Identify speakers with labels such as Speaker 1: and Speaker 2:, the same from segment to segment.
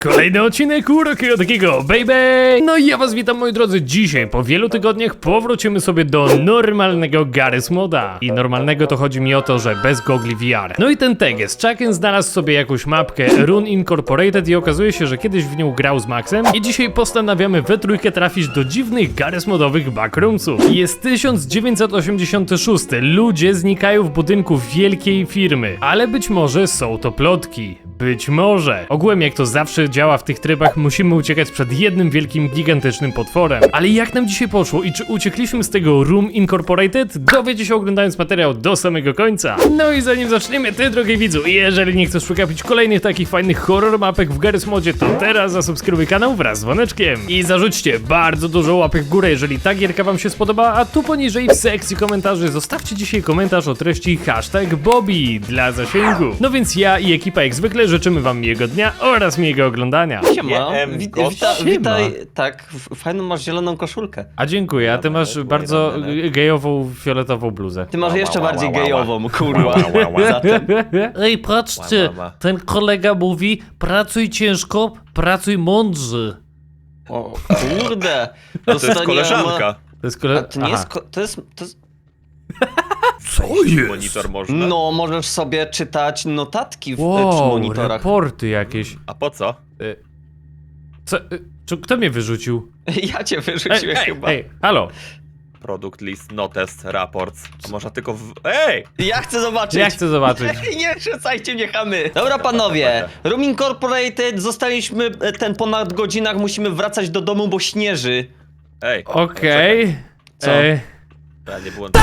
Speaker 1: Kolejny odcinek Urokiego takiego, baby! No i ja was witam, moi drodzy. Dzisiaj, po wielu tygodniach, powrócimy sobie do normalnego Garry's Moda. I normalnego to chodzi mi o to, że bez gogli VR. No i ten teges, Chucken znalazł sobie jakąś mapkę Rune Incorporated i okazuje się, że kiedyś w nią grał z Maxem. I dzisiaj postanawiamy we trójkę trafić do dziwnych Garry's Modowych backroomsów. Jest 1986, ludzie znikają w budynku wielkiej firmy. Ale być może są to plotki. Być może. Ogółem jak to zawsze działa w tych trybach, musimy uciekać przed jednym wielkim, gigantycznym potworem. Ale jak nam dzisiaj poszło i czy uciekliśmy z tego Rune Incorporated? Dowiecie się oglądając materiał do samego końca. No i zanim zaczniemy, ty drogi widzu, jeżeli nie chcesz przegapić kolejnych takich fajnych horror mapek w Garry's Modzie, to teraz zasubskrybuj kanał wraz z dzwoneczkiem. I zarzućcie bardzo dużo łapek w górę, jeżeli ta gierka wam się spodoba, a tu poniżej w sekcji komentarzy zostawcie dzisiaj komentarz o treści #Bobby dla zasięgu. No więc ja i ekipa jak zwykle życzymy wam miłego dnia oraz miłego oglądania.
Speaker 2: Siema, witaj, tak, fajną masz zieloną koszulkę.
Speaker 1: A dziękuję, a ty masz bardzo gejową, fioletową bluzę.
Speaker 2: Ty masz jeszcze bardziej gejową, kurwa. Zatem.
Speaker 1: Ej, patrzcie, ten kolega mówi, pracuj ciężko, pracuj mądrze.
Speaker 2: O kurde.
Speaker 3: To jest koleżanka.
Speaker 1: To jest
Speaker 2: A to nie jest, to jest...
Speaker 1: Co jest?
Speaker 3: Monitor można?
Speaker 2: No, możesz sobie czytać notatki przy
Speaker 1: Wow,
Speaker 2: monitorach.
Speaker 1: raporty jakieś.
Speaker 3: A po co?
Speaker 1: Co, kto mnie wyrzucił?
Speaker 2: Ja cię wyrzuciłem chyba.
Speaker 1: Ej, halo.
Speaker 3: Product list, notes, reports. A można tylko w... Ej!
Speaker 2: Ja chcę zobaczyć.
Speaker 1: Ja chcę zobaczyć.
Speaker 2: Nie rzucajcie mnie chamy. Dobra panowie, Rune Incorporated, zostaliśmy po nadgodzinach, musimy wracać do domu, bo śnieży.
Speaker 3: Ej!
Speaker 1: Okej.
Speaker 2: Co?
Speaker 3: Ja nie byłem...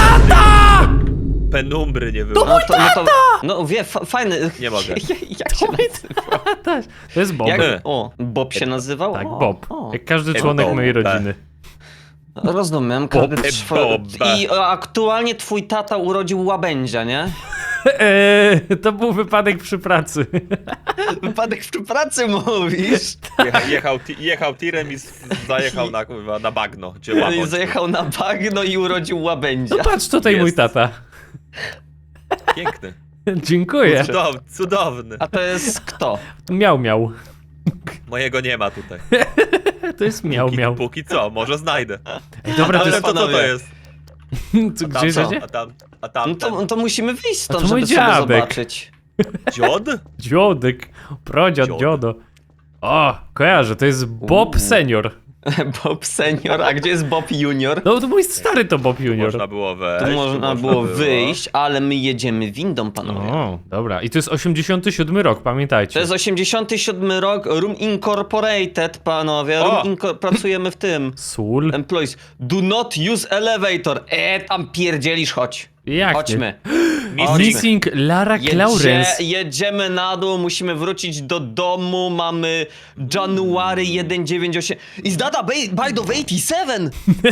Speaker 3: Penumbry nie
Speaker 2: No
Speaker 3: było.
Speaker 2: no wie, fajny.
Speaker 3: Nie mogę.
Speaker 2: Jak się nazywa?
Speaker 1: To jest Bob.
Speaker 2: Jak, o, Bob się nazywał?
Speaker 1: Tak,
Speaker 2: O,
Speaker 1: Bob.
Speaker 2: o.
Speaker 1: Jak każdy członek
Speaker 3: Bob.
Speaker 1: mojej rodziny.
Speaker 2: Rozumiem, każdy
Speaker 3: Bob.
Speaker 2: I aktualnie twój tata urodził łabędzia, nie?
Speaker 1: To był wypadek przy pracy.
Speaker 2: Wypadek przy pracy mówisz?
Speaker 3: Jechał tirem i zajechał na bagno, gdzie łabędź.
Speaker 2: Zajechał na bagno i urodził łabędzia.
Speaker 1: No patrz, tutaj mój
Speaker 3: Jest.
Speaker 1: tata.
Speaker 3: Piękny.
Speaker 1: Dziękuję.
Speaker 3: Cudowny.
Speaker 2: A to jest kto?
Speaker 1: Miał.
Speaker 3: Mojego nie ma tutaj.
Speaker 1: To jest miał.
Speaker 3: Póki co, może znajdę.
Speaker 1: Ej, dobra, to
Speaker 3: Ale
Speaker 1: jest...
Speaker 3: to co to jest?
Speaker 1: Co,
Speaker 3: Tam
Speaker 1: gdzie
Speaker 3: co?
Speaker 1: jedziecie?
Speaker 3: A tam
Speaker 2: No to musimy wyjść
Speaker 1: A to
Speaker 2: stąd,
Speaker 1: mój
Speaker 2: żeby sobie
Speaker 1: dziadek.
Speaker 2: zobaczyć.
Speaker 3: dziod?
Speaker 1: Dziodek. Prodziad,
Speaker 3: Dziodek.
Speaker 1: dziodo. O, kojarzę, to jest Bob Senior.
Speaker 2: Bob senior, a gdzie jest Bob junior?
Speaker 1: No to mój stary to Bob Junior.
Speaker 3: Można było wejść.
Speaker 2: Tu można było wyjść, ale my jedziemy windą, panowie.
Speaker 1: O, dobra. I to jest 87 rok, pamiętajcie.
Speaker 2: To jest 87 rok, Rune Incorporated, panowie.
Speaker 3: O!
Speaker 2: Pracujemy w tym.
Speaker 1: Sól?
Speaker 2: Employees, do not use elevator. Tam pierdzielisz, chodź.
Speaker 1: Jak
Speaker 2: Chodźmy.
Speaker 1: Missing Lara Clarence.
Speaker 2: Jedziemy na dół, musimy wrócić do domu, mamy January 198. Is that a bite of 87?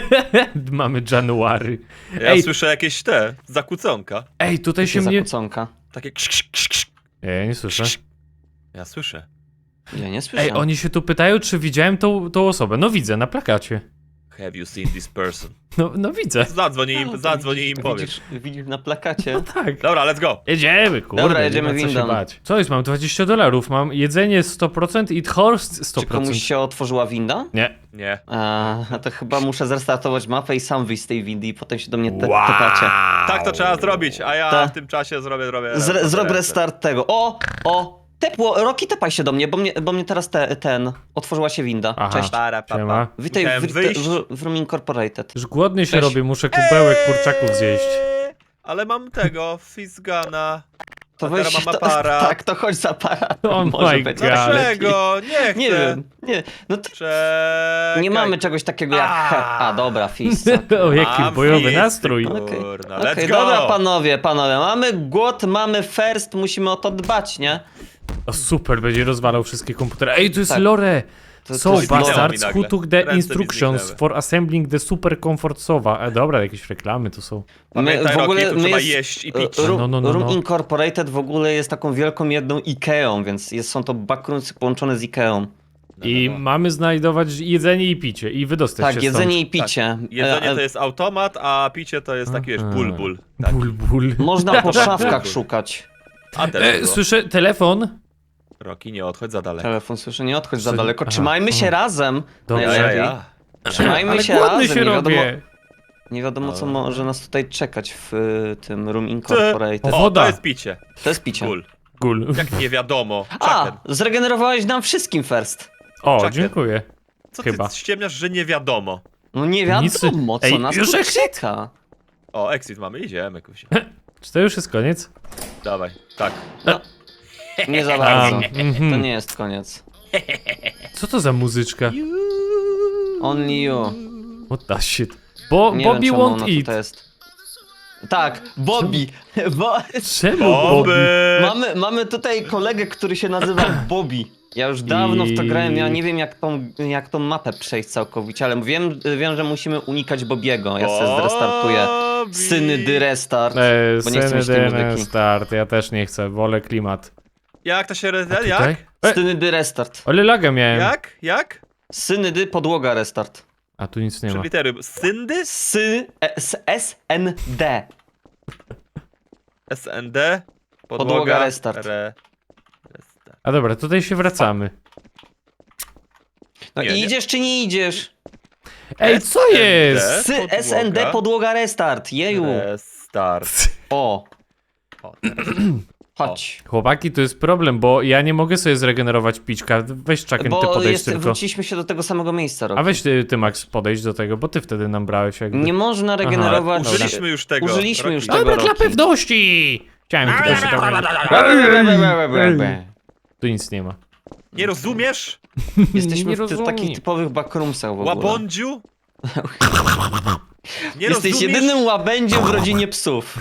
Speaker 1: Mamy January.
Speaker 3: Ja słyszę jakieś zakłóconka.
Speaker 1: Ej, tutaj się mnie...
Speaker 2: Zakłóconka.
Speaker 3: Takie ksz.
Speaker 1: Ja nie słyszę.
Speaker 3: Ja słyszę.
Speaker 2: Ja nie słyszę.
Speaker 1: Ej, oni się tu pytają, czy widziałem tą osobę. No widzę, na plakacie.
Speaker 3: Have you seen this person?
Speaker 1: No widzę.
Speaker 3: Zadzwoń im, powiesz.
Speaker 2: Widzisz na plakacie?
Speaker 1: No tak.
Speaker 3: Dobra, let's go.
Speaker 1: Jedziemy, kurde.
Speaker 2: Dobra, jedziemy
Speaker 1: nie ma co się
Speaker 2: windą.
Speaker 1: bać. Co jest? Mam $20. Mam jedzenie 100% i horst 100%.
Speaker 2: Czy komuś się otworzyła winda?
Speaker 1: Nie.
Speaker 3: Nie.
Speaker 2: A to chyba muszę zrestartować mapę i sam wyjść z tej windy i potem się do mnie tepacie.
Speaker 3: Tak to trzeba zrobić, a ja
Speaker 2: Ta.
Speaker 3: w tym czasie zrobię...
Speaker 2: Zrób restart tego. O! Tepło, Roki, tepaj się do mnie, bo mnie teraz otworzyła się winda.
Speaker 1: Aha.
Speaker 2: Cześć.
Speaker 1: Siema.
Speaker 2: Witaj
Speaker 3: Musiałem wyjść.
Speaker 2: w Rune Incorporated.
Speaker 1: Już głodny się
Speaker 2: Cześć.
Speaker 1: robię, muszę kubełek kurczaków zjeść.
Speaker 3: Ale mam tego, Fizgana.
Speaker 2: To
Speaker 3: A teraz
Speaker 2: weź,
Speaker 3: mam aparat.
Speaker 2: tak, to chodź z aparat.
Speaker 1: Oh
Speaker 2: Może
Speaker 1: my
Speaker 2: być.
Speaker 1: God.
Speaker 3: Dlaczego? Nie chcę.
Speaker 2: Nie wiem, nie. No to
Speaker 3: Czekaj.
Speaker 2: nie mamy czegoś takiego jak... dobra, Fizz.
Speaker 1: O, jaki
Speaker 3: Mam
Speaker 1: bojowy
Speaker 3: fisty,
Speaker 1: nastrój.
Speaker 2: Okej.
Speaker 3: Kurna,
Speaker 2: Okej,
Speaker 3: let's go.
Speaker 2: dobra, panowie, mamy głód, mamy first, musimy o to dbać, nie?
Speaker 1: O, super, będzie rozwalał wszystkie komputery. Ej, to jest
Speaker 2: Tak.
Speaker 1: lore!
Speaker 2: To
Speaker 1: So
Speaker 2: jest
Speaker 1: bastards
Speaker 3: lore.
Speaker 1: who took the
Speaker 3: Ręce mi
Speaker 1: instructions
Speaker 3: zniknęły.
Speaker 1: for assembling the super comfort sofa. Dobra, jakieś reklamy to są.
Speaker 3: Pamiętaj, Rocky, tu trzeba
Speaker 2: jest-
Speaker 3: jeść i pić.
Speaker 1: No.
Speaker 2: Rune Incorporated w ogóle jest taką wielką jedną Ikeą, więc są to backroomsy połączone z Ikeą.
Speaker 1: I mamy znajdować jedzenie i picie i wydostać się
Speaker 2: Tak, jedzenie
Speaker 1: stąd.
Speaker 2: i picie.
Speaker 3: Jedzenie to jest automat, a picie to jest taki, wiesz, ból. Tak.
Speaker 1: Ból.
Speaker 2: Można po szafkach szukać.
Speaker 3: A teraz
Speaker 1: Słyszę telefon.
Speaker 3: Roki, nie odchodź za daleko.
Speaker 2: Telefon słyszę, nie odchodź za
Speaker 1: Czy-
Speaker 2: daleko.
Speaker 1: aha,
Speaker 2: Trzymajmy się razem.
Speaker 1: Dobrze.
Speaker 2: Najlepiej. Trzymajmy
Speaker 1: Ale
Speaker 2: się
Speaker 1: głodny
Speaker 2: razem.
Speaker 1: się
Speaker 2: nie wiadomo,
Speaker 1: robię.
Speaker 2: nie wiadomo co może nas tutaj czekać w tym Room
Speaker 3: Co?
Speaker 2: Incorporated.
Speaker 1: O,
Speaker 3: O,
Speaker 1: woda.
Speaker 3: to jest picie.
Speaker 2: To jest picie.
Speaker 3: Cool.
Speaker 1: Gul.
Speaker 3: Jak nie wiadomo.
Speaker 2: A,
Speaker 3: Chucken.
Speaker 2: zregenerowałeś nam wszystkim first.
Speaker 1: O,
Speaker 3: Chucken.
Speaker 1: dziękuję.
Speaker 3: Co
Speaker 1: chyba.
Speaker 3: ty ściemniasz, że nie wiadomo?
Speaker 2: No nie
Speaker 1: Nic-
Speaker 2: wiadomo, co
Speaker 1: Ej,
Speaker 2: nas
Speaker 1: już
Speaker 2: tu
Speaker 1: exit?
Speaker 2: czeka.
Speaker 3: O, exit mamy, idziemy, kusi.
Speaker 1: Czy to już jest koniec?
Speaker 3: Dawaj, tak.
Speaker 2: No, nie za bardzo.
Speaker 1: mhm.
Speaker 2: To nie jest koniec.
Speaker 1: Co to za muzyczka?
Speaker 2: Only you.
Speaker 1: What the shit? Bo
Speaker 2: Nie
Speaker 1: Bobby
Speaker 2: wiem, czemu ona
Speaker 1: won't
Speaker 2: tutaj
Speaker 1: eat.
Speaker 2: jest. Tak, Bobby. Bo,
Speaker 1: Czemu Bobby?
Speaker 3: Oby!
Speaker 2: mamy tutaj kolegę, który się nazywa Bobby. Ja już dawno w to grałem, ja nie wiem jak tą mapę przejść całkowicie, ale wiem, że musimy unikać Bobiego. Ja sobie zrestartuję.
Speaker 3: Bobby.
Speaker 2: Syny dy restart. Bo nie chcę mieć tej muzyki.
Speaker 1: Start, ja też nie chcę, wolę klimat.
Speaker 3: Jak to się
Speaker 1: A
Speaker 3: reset?
Speaker 1: tutaj?
Speaker 3: Jak?
Speaker 2: Syny dy restart.
Speaker 1: Ale laga miałem.
Speaker 3: Jak? Jak?
Speaker 2: Syny dy podłoga restart.
Speaker 1: A tu nic nie
Speaker 3: Trzy
Speaker 1: ma.
Speaker 3: litery. Syndy?
Speaker 2: SND.
Speaker 3: SND?
Speaker 2: Podłoga restart.
Speaker 3: Restart.
Speaker 1: A dobra, tutaj się wracamy.
Speaker 2: No
Speaker 3: Nie,
Speaker 2: i
Speaker 3: nie.
Speaker 2: idziesz czy nie idziesz?
Speaker 1: Ej, co
Speaker 3: SND?
Speaker 1: jest?
Speaker 3: Podłoga.
Speaker 2: SND podłoga restart. Jeju.
Speaker 3: Restart.
Speaker 2: O,
Speaker 3: O,
Speaker 2: chodź.
Speaker 1: Chłopaki, to jest problem, bo ja nie mogę sobie zregenerować pićka. Weź Chucken, ty
Speaker 2: Bo
Speaker 1: podejdź tylko.
Speaker 2: wróciliśmy się do tego samego miejsca, Rob.
Speaker 1: A weź ty, Max, podejdź do tego, bo ty wtedy nam brałeś jakby.
Speaker 2: Nie można regenerować.
Speaker 1: Dobra.
Speaker 3: użyliśmy już tego.
Speaker 2: Użyliśmy już
Speaker 3: Rocky.
Speaker 2: tego.
Speaker 1: Dobra, dla
Speaker 2: Rocky.
Speaker 1: pewności! Chciałem tylko się tam... Tu nic nie ma.
Speaker 3: Nie rozumiesz?
Speaker 2: Jesteśmy
Speaker 1: Nie
Speaker 2: w
Speaker 1: rozumiem.
Speaker 2: takich typowych backroomsach w ogóle.
Speaker 3: Łabądziu? Nie
Speaker 2: Jesteś
Speaker 3: rozumiesz?
Speaker 2: jedynym łabędziem w rodzinie psów.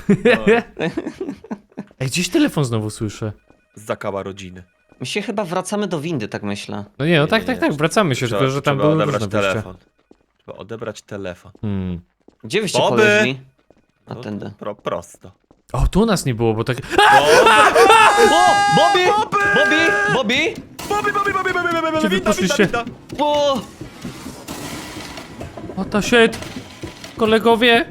Speaker 1: Ej, gdzieś telefon znowu słyszę.
Speaker 3: Zakała rodziny.
Speaker 2: My się chyba wracamy do windy, tak myślę.
Speaker 1: No nie, no
Speaker 3: Nie,
Speaker 1: tak,
Speaker 3: nie,
Speaker 1: tak, wracamy się, tylko że tam
Speaker 3: trzeba
Speaker 1: były
Speaker 3: odebrać
Speaker 1: różne wyjścia.
Speaker 3: telefon. Trzeba odebrać telefon.
Speaker 2: Gdzie wyście
Speaker 3: Bobby!
Speaker 2: poleźli? A
Speaker 3: No,
Speaker 2: tędy.
Speaker 3: prosto.
Speaker 1: O, tu nas nie było, bo tak...
Speaker 2: O! Bobby! Bobby! Bobby!
Speaker 1: Gdzie wy poszliście?
Speaker 2: O!
Speaker 1: O, to shit! Kolegowie!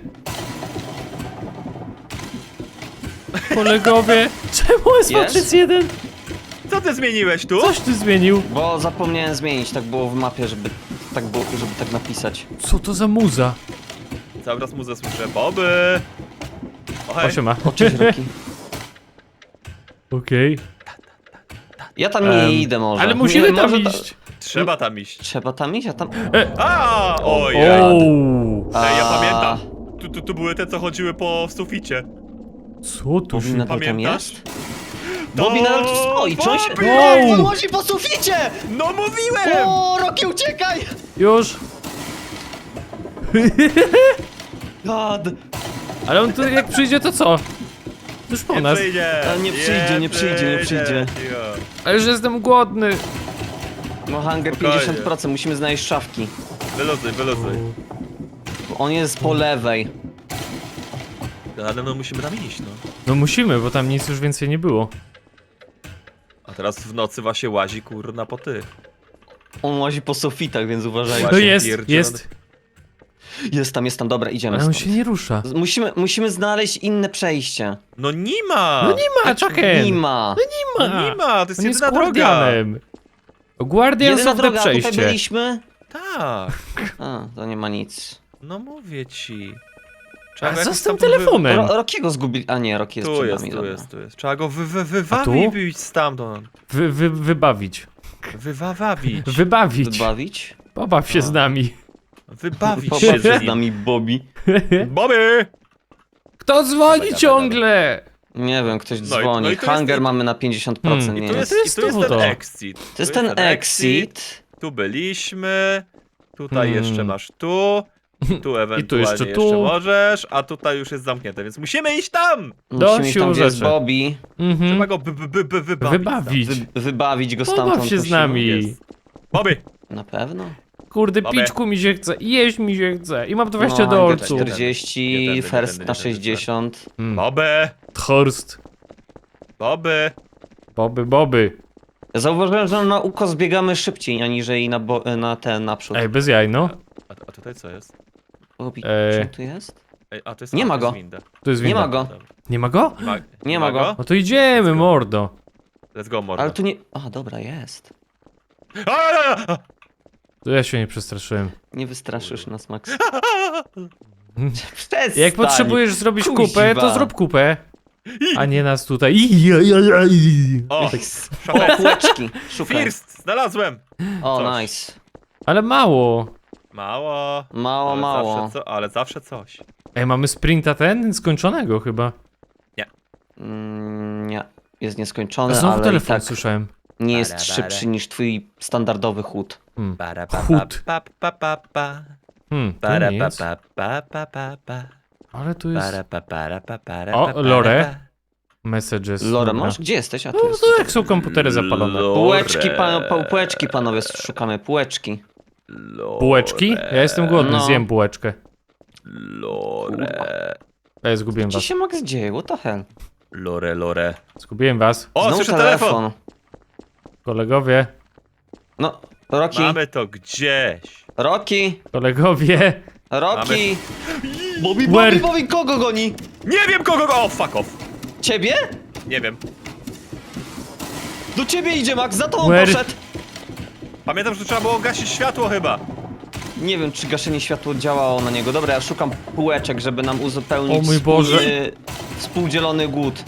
Speaker 1: Kolegowie! Czemu jest
Speaker 2: Jest?
Speaker 1: matrix 1?
Speaker 3: Co ty zmieniłeś tu?
Speaker 1: Coś ty zmienił?
Speaker 2: Bo zapomniałem zmienić, tak było w mapie, żeby tak napisać.
Speaker 1: Co to za muza?
Speaker 3: Cały raz muzę słyszę. Boby! O, hej.
Speaker 1: O, siema.
Speaker 2: O, cześć, Rocky.
Speaker 1: Okej.
Speaker 2: Ja tam nie idę może.
Speaker 1: Ale musimy tam
Speaker 2: Może
Speaker 1: iść.
Speaker 3: Trzeba tam iść.
Speaker 2: Trzeba tam iść, a tam...
Speaker 3: A, ojej.
Speaker 1: Ooo.
Speaker 3: Ej, ja
Speaker 2: A.
Speaker 3: pamiętam. Tu były te, co chodziły po suficie.
Speaker 1: Co tu
Speaker 2: Bobby
Speaker 1: się...
Speaker 2: nadal tam
Speaker 3: Pamiętasz?
Speaker 2: jest? Bobby nadal tu stoi, czy on się...
Speaker 3: Bobby!
Speaker 2: Wow! On łazi po suficie!
Speaker 3: No mówiłem!
Speaker 2: O, Rocky, uciekaj!
Speaker 1: Już?
Speaker 2: God!
Speaker 1: Ale on tu jak przyjdzie, to co? Już po
Speaker 3: Nie
Speaker 1: nas.
Speaker 3: przyjdzie.
Speaker 2: A, nie przyjdzie, nie przyjdzie, nie przyjdzie.
Speaker 3: Cicho.
Speaker 1: Ale już jestem głodny.
Speaker 2: No hunger
Speaker 3: Spokojnie.
Speaker 2: 50%, musimy znaleźć szafki.
Speaker 3: Wyluzuj, wyluzuj.
Speaker 2: Bo on jest po lewej.
Speaker 3: Ale no musimy tam iść, no.
Speaker 1: No musimy, bo tam nic już więcej nie było.
Speaker 3: A teraz w nocy właśnie łazi kurna po tych.
Speaker 2: On łazi po sufitach, więc uważajcie.
Speaker 1: No
Speaker 3: Właśnie
Speaker 1: jest,
Speaker 3: pierdzielony.
Speaker 1: jest.
Speaker 2: Jest tam, dobra, idziemy
Speaker 1: Ale on
Speaker 2: stąd.
Speaker 1: się nie rusza.
Speaker 2: Musimy znaleźć inne przejście.
Speaker 3: No nie ma!
Speaker 1: No nie ma, Chucken.
Speaker 2: Nie ma.
Speaker 1: Nie ma.
Speaker 3: No nie ma, to jest
Speaker 1: On jest
Speaker 3: jedyna droga.
Speaker 1: guardianem. Guardians
Speaker 2: Jedyna
Speaker 1: of the
Speaker 2: droga, a tutaj
Speaker 1: przejście.
Speaker 2: byliśmy.
Speaker 3: Tak,
Speaker 2: A, to nie ma nic.
Speaker 3: no mówię ci.
Speaker 1: A co
Speaker 3: jakoś
Speaker 1: z tym
Speaker 3: tam
Speaker 1: telefonem?
Speaker 2: Rockiego zgubili. A nie, Rocky jest
Speaker 3: Tu
Speaker 2: przed
Speaker 3: jest,
Speaker 2: nami,
Speaker 3: tu
Speaker 2: dobra.
Speaker 3: jest, tu jest. Trzeba go
Speaker 1: A tu?
Speaker 3: wywabić stamtąd.
Speaker 1: Wybawić.
Speaker 3: Wywabić.
Speaker 1: Wybawić.
Speaker 2: Wybawić?
Speaker 1: Pobaw się z nami.
Speaker 3: Wybawić
Speaker 2: Pobaw
Speaker 3: się
Speaker 2: się
Speaker 3: z
Speaker 2: z
Speaker 3: nim.
Speaker 2: nami, Bobby.
Speaker 3: Bobby!
Speaker 1: Kto dzwoni
Speaker 3: Dawaj,
Speaker 1: ciągle?
Speaker 2: Nie wiem, ktoś
Speaker 3: No i-
Speaker 2: dzwoni.
Speaker 3: no i to jest-
Speaker 2: Hunger mamy na 50%,
Speaker 1: I
Speaker 2: nie
Speaker 3: Tu
Speaker 2: jest.
Speaker 3: jest,
Speaker 1: To jest
Speaker 3: i tu jest
Speaker 1: znowu
Speaker 3: ten
Speaker 1: to.
Speaker 3: exit.
Speaker 2: To jest ten exit.
Speaker 3: Tu byliśmy. Tutaj
Speaker 1: Hmm.
Speaker 3: jeszcze masz tu. Tu ewentualnie
Speaker 1: jeszcze
Speaker 3: jeszcze,
Speaker 1: tu.
Speaker 3: możesz, a tutaj już jest zamknięte, więc musimy iść tam!
Speaker 2: Musimy iść tam, gdzie jest
Speaker 1: rzeczy.
Speaker 2: Bobby.
Speaker 3: Trzeba
Speaker 1: Mhm.
Speaker 3: go wybawić.
Speaker 1: Wybawić.
Speaker 2: Wybawić go stamtąd.
Speaker 1: Pobaw się z
Speaker 2: musimy.
Speaker 1: nami.
Speaker 3: Jest. Bobby!
Speaker 2: Na pewno.
Speaker 1: Kurde,
Speaker 3: Babę.
Speaker 1: piczku mi się chce, jeść mi się chce i mam 20
Speaker 2: No,
Speaker 1: dolców.
Speaker 2: Hunger 40,
Speaker 3: Nie tędy, nie
Speaker 2: first
Speaker 3: tędy,
Speaker 2: na
Speaker 3: nie tędy,
Speaker 2: 60.
Speaker 3: Bobby!
Speaker 1: Thorst.
Speaker 3: Bobby!
Speaker 1: Boby.
Speaker 2: Zauważyłem, że na ukos biegamy szybciej, aniżeli na ten naprzód.
Speaker 1: Ej, bez jaj, no.
Speaker 3: A tutaj co jest?
Speaker 2: Bobby,
Speaker 1: Ej.
Speaker 2: czy on tu jest?
Speaker 3: Ej, a to jest
Speaker 2: Nie ma
Speaker 3: to jest
Speaker 2: go.
Speaker 3: winda.
Speaker 1: Tu jest
Speaker 2: Nie
Speaker 1: winda.
Speaker 2: ma go.
Speaker 3: Dobra.
Speaker 1: Nie ma go?
Speaker 3: Ma,
Speaker 2: Nie ma go.
Speaker 1: No to idziemy, mordo.
Speaker 3: Let's go, mordo.
Speaker 2: Ale tu nie... A, dobra, jest.
Speaker 3: A!
Speaker 1: To ja się nie przestraszyłem.
Speaker 2: Nie wystraszysz nas, Max. Przestań.
Speaker 1: Jak potrzebujesz zrobić
Speaker 2: Kuźwa.
Speaker 1: kupę, to zrób kupę. A nie nas tutaj.
Speaker 3: O,
Speaker 2: O,
Speaker 3: szafę.
Speaker 2: półeczki. Szukaj.
Speaker 3: First, znalazłem.
Speaker 2: O,
Speaker 3: Coś.
Speaker 2: nice.
Speaker 1: Ale mało.
Speaker 3: Mało.
Speaker 2: Mało,
Speaker 3: ale
Speaker 2: mało.
Speaker 3: ale zawsze coś.
Speaker 1: Ej, mamy sprinta skończonego chyba.
Speaker 2: Nie. Jest
Speaker 1: A
Speaker 2: nieskończony,
Speaker 1: znowu
Speaker 2: ale i
Speaker 1: telefon
Speaker 2: tak
Speaker 1: słyszałem.
Speaker 2: nie jest szybszy niż twój standardowy chód.
Speaker 1: Chód. To nic. Ale tu jest... O, Lore. Messages.
Speaker 2: Lore
Speaker 1: dobra.
Speaker 2: masz? Gdzie jesteś? A tu
Speaker 1: No
Speaker 2: jest.
Speaker 1: to jak są komputery zapalone.
Speaker 2: Półeczki, półeczki, panowie, szukamy. Półeczki.
Speaker 1: Bułeczki? Ja jestem głodny,
Speaker 2: No.
Speaker 1: zjem bułeczkę.
Speaker 3: Lore.
Speaker 1: Ej, zgubiłem
Speaker 2: Co
Speaker 1: was.
Speaker 2: się Max dzieje? What the hell?
Speaker 3: Lore.
Speaker 1: Zgubiłem was.
Speaker 3: O,
Speaker 2: Znowu
Speaker 3: słyszę telefon.
Speaker 1: Kolegowie.
Speaker 2: No, Rocky.
Speaker 3: Mamy to gdzieś.
Speaker 2: Rocky.
Speaker 1: Kolegowie.
Speaker 2: Rocky. Bobby,
Speaker 1: Where?
Speaker 2: Bobby, Bobby, kogo goni?
Speaker 3: Nie wiem kogo go... O, fuck off.
Speaker 2: Ciebie?
Speaker 3: Nie wiem.
Speaker 2: Do ciebie idzie, Max, za tobą
Speaker 1: Where?
Speaker 2: poszedł.
Speaker 3: Pamiętam, że trzeba było gasić światło chyba.
Speaker 2: Nie wiem, czy gaszenie światła działało na niego. Dobra, ja szukam półeczek, żeby nam uzupełnić
Speaker 1: O mój Boże.
Speaker 2: współdzielony głód.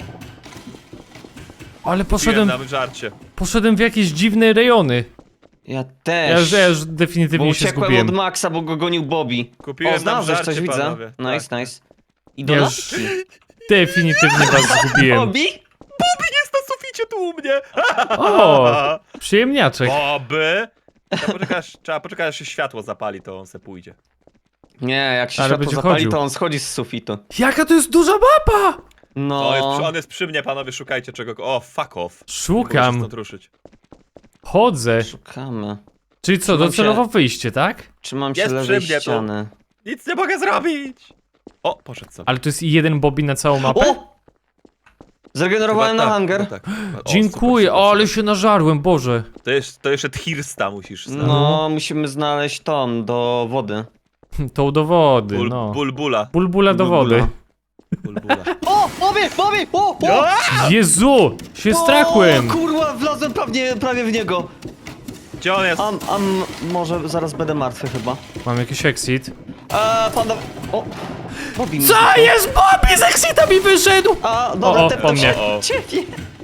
Speaker 1: Ale
Speaker 3: Poszedłem na żarcie.
Speaker 1: poszedłem w jakieś dziwne rejony.
Speaker 2: Ja
Speaker 1: Ja
Speaker 2: też.
Speaker 1: już
Speaker 2: Bo
Speaker 1: definitywnie się
Speaker 2: uciekłem
Speaker 1: zgubiłem.
Speaker 2: od Maxa, bo go gonił Bobby.
Speaker 3: Kupiłem
Speaker 2: O,
Speaker 3: nam
Speaker 2: znalazłeś
Speaker 3: żarcie,
Speaker 2: coś, widzę.
Speaker 3: panowie.
Speaker 2: Nice,
Speaker 3: Tak.
Speaker 2: nice. I
Speaker 1: Ja już
Speaker 2: dodatki.
Speaker 1: definitywnie was zgubiłem.
Speaker 2: Bobby?
Speaker 3: Jest na suficie tu u mnie.
Speaker 1: O, przyjemniaczek.
Speaker 3: Boby. Trzeba poczekać, aż się światło zapali, to on se pójdzie.
Speaker 2: Nie, jak się
Speaker 1: Ale
Speaker 2: światło
Speaker 1: będzie
Speaker 2: zapali,
Speaker 1: chodził.
Speaker 2: to on schodzi z sufitu.
Speaker 1: Jaka to jest duża mapa!
Speaker 2: No.
Speaker 3: On jest przy mnie, panowie, szukajcie czego. O, fuck off. Muszę
Speaker 1: Szukam,
Speaker 3: stąd ruszyć.
Speaker 1: chodzę.
Speaker 2: Szukamy.
Speaker 1: Czyli co,
Speaker 2: Trzymam
Speaker 1: docelowo
Speaker 2: się.
Speaker 1: wyjście, tak?
Speaker 2: Trzymam się
Speaker 3: Jest
Speaker 2: lewej
Speaker 3: przy mnie tu.
Speaker 2: ściany.
Speaker 3: Nic nie mogę zrobić. O, poszedł sobie.
Speaker 1: Ale to jest jeden Bobby na całą mapę?
Speaker 2: O! Zregenerowałem
Speaker 3: Chyba
Speaker 2: na
Speaker 3: tak,
Speaker 2: hangar.
Speaker 3: chyba tak. O,
Speaker 1: Dziękuję,
Speaker 3: super, super,
Speaker 1: ale się nażarłem, Boże.
Speaker 3: super. To jeszcze Thirsta musisz znaleźć.
Speaker 2: No, musimy znaleźć ton do wody.
Speaker 1: To do wody, no.
Speaker 3: Bulbula.
Speaker 1: Bulbula do wody.
Speaker 3: Bulbula.
Speaker 2: O! Bobby! Bobby! O! O!
Speaker 1: Jezu, się strachłem.
Speaker 2: O, kurwa, wlazłem prawie w niego.
Speaker 3: Gdzie on jest?
Speaker 2: Może zaraz będę martwy chyba.
Speaker 1: Mam jakiś exit.
Speaker 2: Panda... O! Bobby mi
Speaker 1: Co
Speaker 2: zniknął.
Speaker 1: jest? Bobby z exita mi wyszedł!
Speaker 2: A, dobra,
Speaker 1: O,
Speaker 2: tepnę
Speaker 1: po mnie.
Speaker 2: ciebie.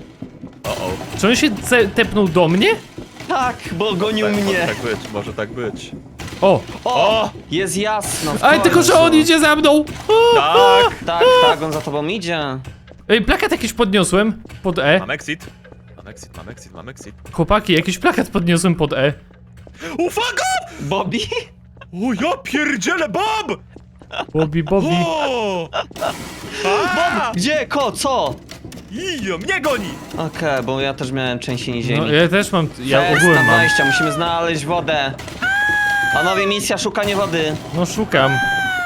Speaker 1: Czy on się tepnął do mnie?
Speaker 2: Tak, bo gonił
Speaker 3: Tak,
Speaker 2: mnie.
Speaker 3: Może tak być, może tak być.
Speaker 1: O!
Speaker 2: O! Jest jasno. w
Speaker 1: Ale tylko, że on
Speaker 2: końcu.
Speaker 1: idzie za mną!
Speaker 3: Tak!
Speaker 2: Tak, on za tobą idzie.
Speaker 1: Ej, plakat jakiś podniosłem pod E.
Speaker 3: Mam exit. Mam exit.
Speaker 1: Chłopaki, jakiś plakat podniosłem pod E.
Speaker 3: O, fuck off!
Speaker 2: Bobby?
Speaker 3: O, ja pierdzielę, Bob!
Speaker 1: Bobby.
Speaker 3: O! A!
Speaker 2: Gdzie? Co?
Speaker 3: Ijo, mnie goni!
Speaker 2: Okej, bo ja też miałem trzęsienie ziemi.
Speaker 1: No, ja też mam, ja
Speaker 2: Test
Speaker 1: ogółem
Speaker 2: na
Speaker 1: mam.
Speaker 2: wejścia, musimy znaleźć wodę. Panowie, misja szukanie wody.
Speaker 1: No szukam.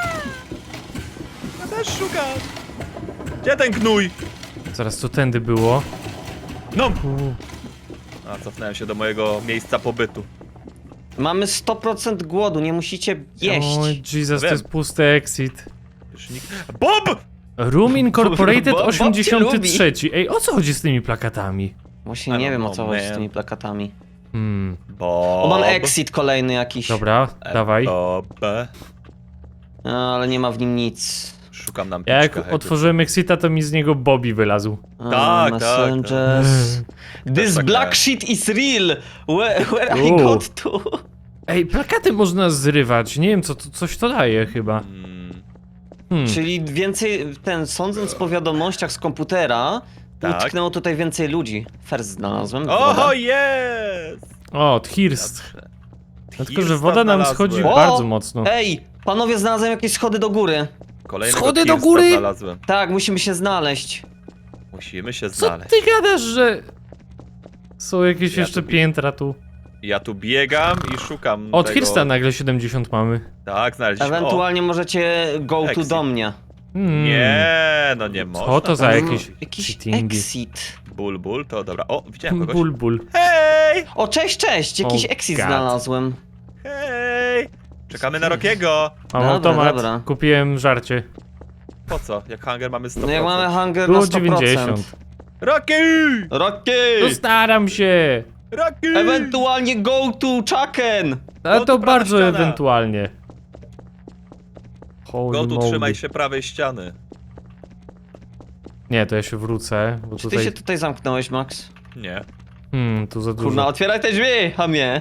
Speaker 3: Ja też szukam. Gdzie ten gnój?
Speaker 1: Zaraz to tędy było.
Speaker 3: No! A, cofnąłem się do mojego miejsca pobytu.
Speaker 2: Mamy 100% głodu, nie musicie jeść.
Speaker 1: Oj, Jesus, to
Speaker 3: Wiem.
Speaker 1: jest pusty exit.
Speaker 3: Już nikt... Bob!
Speaker 1: Room Incorporated
Speaker 2: Bob cię
Speaker 1: 83. Ej, o co chodzi z tymi plakatami?
Speaker 2: Właśnie
Speaker 3: I
Speaker 2: nie
Speaker 3: don't
Speaker 2: wiem o
Speaker 3: know,
Speaker 2: co chodzi z
Speaker 3: man.
Speaker 2: tymi plakatami.
Speaker 3: Bob.
Speaker 2: O, mam exit kolejny jakiś.
Speaker 1: Dobra, dawaj.
Speaker 3: Bob.
Speaker 2: No, ale nie ma w nim nic.
Speaker 3: Szukam nam
Speaker 1: Ja
Speaker 3: piczka,
Speaker 1: jak otworzyłem exita, to mi z niego Bobby wylazł.
Speaker 3: Tak,
Speaker 2: Messengers. This
Speaker 3: tak
Speaker 2: black
Speaker 3: miałem.
Speaker 2: shit is real. Where I
Speaker 1: Uuu.
Speaker 2: got to?
Speaker 1: Ej, plakaty można zrywać. Nie wiem, coś to daje chyba.
Speaker 2: Czyli więcej, sądząc po wiadomościach z komputera,
Speaker 3: Tak.
Speaker 2: utknęło tutaj więcej ludzi. First znalazłem.
Speaker 3: Oho,
Speaker 2: woda.
Speaker 3: jest!
Speaker 1: O, Thirst.
Speaker 3: Dobrze.
Speaker 1: Dlatego, że
Speaker 3: Thirsta
Speaker 1: woda nam
Speaker 3: znalazłem.
Speaker 1: schodzi
Speaker 2: O!
Speaker 1: bardzo mocno.
Speaker 2: Ej, panowie, znalazłem jakieś schody do góry.
Speaker 3: Kolejnego
Speaker 1: Schody do
Speaker 3: Thirsta
Speaker 1: góry?
Speaker 3: znalazłem.
Speaker 2: Tak, musimy się znaleźć.
Speaker 3: Musimy się
Speaker 1: Co
Speaker 3: znaleźć.
Speaker 1: ty gadasz, że... Są jakieś
Speaker 3: Ja
Speaker 1: jeszcze
Speaker 3: tu-
Speaker 1: piętra tu.
Speaker 3: Ja tu biegam i szukam
Speaker 1: Od
Speaker 3: tego...
Speaker 1: Thirsta nagle 70 mamy.
Speaker 3: Tak, znaleźliśmy.
Speaker 2: Ewentualnie możecie go to
Speaker 3: Exit.
Speaker 2: do mnie.
Speaker 3: Nie, no nie można.
Speaker 1: Co to za
Speaker 3: tak
Speaker 1: jakieś
Speaker 3: zrobić.
Speaker 2: Jakiś
Speaker 1: cheatingi?
Speaker 2: exit.
Speaker 3: Bulbul, to dobra. O, widziałem kogoś.
Speaker 1: Bulbul.
Speaker 3: Hej!
Speaker 2: O, cześć! Jakiś
Speaker 1: Oh
Speaker 2: exit
Speaker 1: God.
Speaker 2: znalazłem.
Speaker 3: Hej! Czekamy na Rokiego.
Speaker 1: Mam
Speaker 2: Dobra,
Speaker 1: automat,
Speaker 2: dobra.
Speaker 1: kupiłem żarcie.
Speaker 3: Po co? Jak hunger mamy 100%.
Speaker 2: No jak mamy hunger
Speaker 1: Było
Speaker 2: na 100%.
Speaker 1: 90.
Speaker 3: Rocky!
Speaker 2: Rocky!
Speaker 1: No staram się.
Speaker 3: Rocky!
Speaker 2: Ewentualnie go to Chucken!
Speaker 1: A
Speaker 3: Go
Speaker 1: to
Speaker 3: tu prawa
Speaker 1: bardzo
Speaker 3: ściana.
Speaker 1: ewentualnie. Holy
Speaker 3: Go tu
Speaker 1: moly.
Speaker 3: trzymaj się prawej ściany.
Speaker 1: Nie, to ja się wrócę, bo
Speaker 2: Czy ty
Speaker 1: tutaj...
Speaker 2: się tutaj zamknąłeś, Max?
Speaker 3: Nie.
Speaker 1: Tu za
Speaker 2: Kurna,
Speaker 1: dużo.
Speaker 2: otwieraj te drzwi, hamie!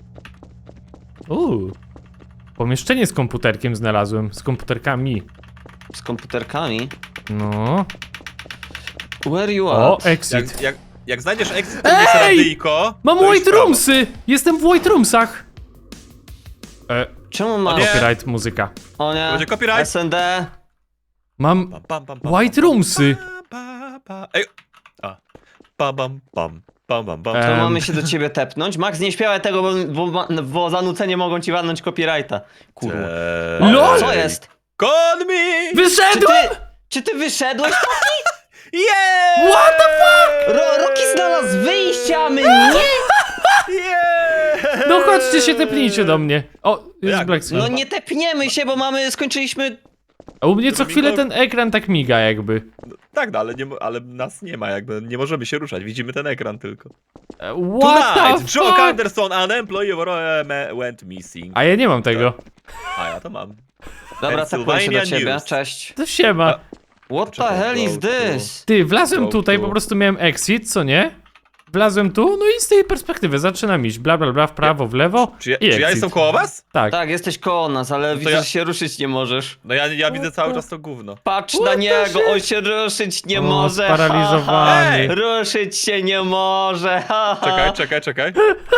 Speaker 1: Pomieszczenie z komputerkiem znalazłem, z komputerkami.
Speaker 2: Z komputerkami.
Speaker 1: No.
Speaker 2: Where you
Speaker 1: O,
Speaker 2: at?
Speaker 1: exit.
Speaker 3: Jak znajdziesz exit, to jest radyjko.
Speaker 1: Mam
Speaker 3: to idź w
Speaker 1: White
Speaker 3: prawo.
Speaker 1: Roomsy! Jestem w White Roomsach!
Speaker 2: Czemu masz...
Speaker 3: nie.
Speaker 1: Copyright muzyka.
Speaker 2: O nie.
Speaker 3: Będzie copyright.
Speaker 2: SND.
Speaker 1: Mam
Speaker 3: Pam, pam, pam, pam,
Speaker 1: White
Speaker 3: pam,
Speaker 1: Roomsy!
Speaker 3: pam, pam. Ej! A. Pam, pam, pam, pam, pam, pam.
Speaker 2: To
Speaker 1: Em.
Speaker 2: mamy się do ciebie tepnąć? Max, nie śpiewaj tego, bo za nucenie mogą ci walnąć copyrighta. Kurwa.
Speaker 1: LOL!
Speaker 2: Co jest?
Speaker 3: Call me!
Speaker 2: Czy
Speaker 1: Wyszedłem!
Speaker 2: czy ty wyszedłeś?
Speaker 3: Yeah!
Speaker 1: What the fuck?
Speaker 2: Rocky znalazł wyjście, a my nie?
Speaker 3: Yeah!
Speaker 1: No chodźcie się, tepnijcie do mnie. O, jest
Speaker 3: Jak?
Speaker 1: Black Sun.
Speaker 2: No nie tepniemy się, bo skończyliśmy...
Speaker 1: A u mnie co chwilę ten ekran tak miga jakby.
Speaker 3: Tak, no, ale nas nie ma, jakby nie możemy się ruszać, widzimy ten ekran tylko.
Speaker 1: What the
Speaker 3: Tonight, Joe
Speaker 1: fuck?
Speaker 3: Anderson, an employee of went missing.
Speaker 1: A ja nie mam tego.
Speaker 3: A ja to mam.
Speaker 2: Dobra, tepłem się do
Speaker 3: Pennsylvania
Speaker 2: ciebie,
Speaker 3: News.
Speaker 2: cześć.
Speaker 1: To siema.
Speaker 2: What the
Speaker 3: Czekaj,
Speaker 2: hell is
Speaker 3: go to-
Speaker 2: this?
Speaker 1: Ty, wlazłem
Speaker 3: Go
Speaker 1: tutaj,
Speaker 3: tu.
Speaker 1: po prostu miałem exit, co nie? Wlazłem tu, no i z tej perspektywy zaczynam iść, bla bla bla, w prawo, w lewo
Speaker 3: Czy ja,
Speaker 1: i
Speaker 3: czy ja
Speaker 1: exit.
Speaker 3: jestem koło was?
Speaker 1: Tak.
Speaker 2: Tak, jesteś koło nas, ale widzę,
Speaker 3: ja-
Speaker 2: że się ruszyć nie możesz.
Speaker 3: No ja widzę cały czas to gówno.
Speaker 2: Patrz
Speaker 1: What
Speaker 2: na
Speaker 1: the
Speaker 2: niego,
Speaker 1: shit?
Speaker 2: on się ruszyć nie
Speaker 1: O,
Speaker 2: może.
Speaker 1: sparaliżowany.
Speaker 3: Ej!
Speaker 2: Ruszyć się nie może. Ha, ha.
Speaker 3: Czekaj.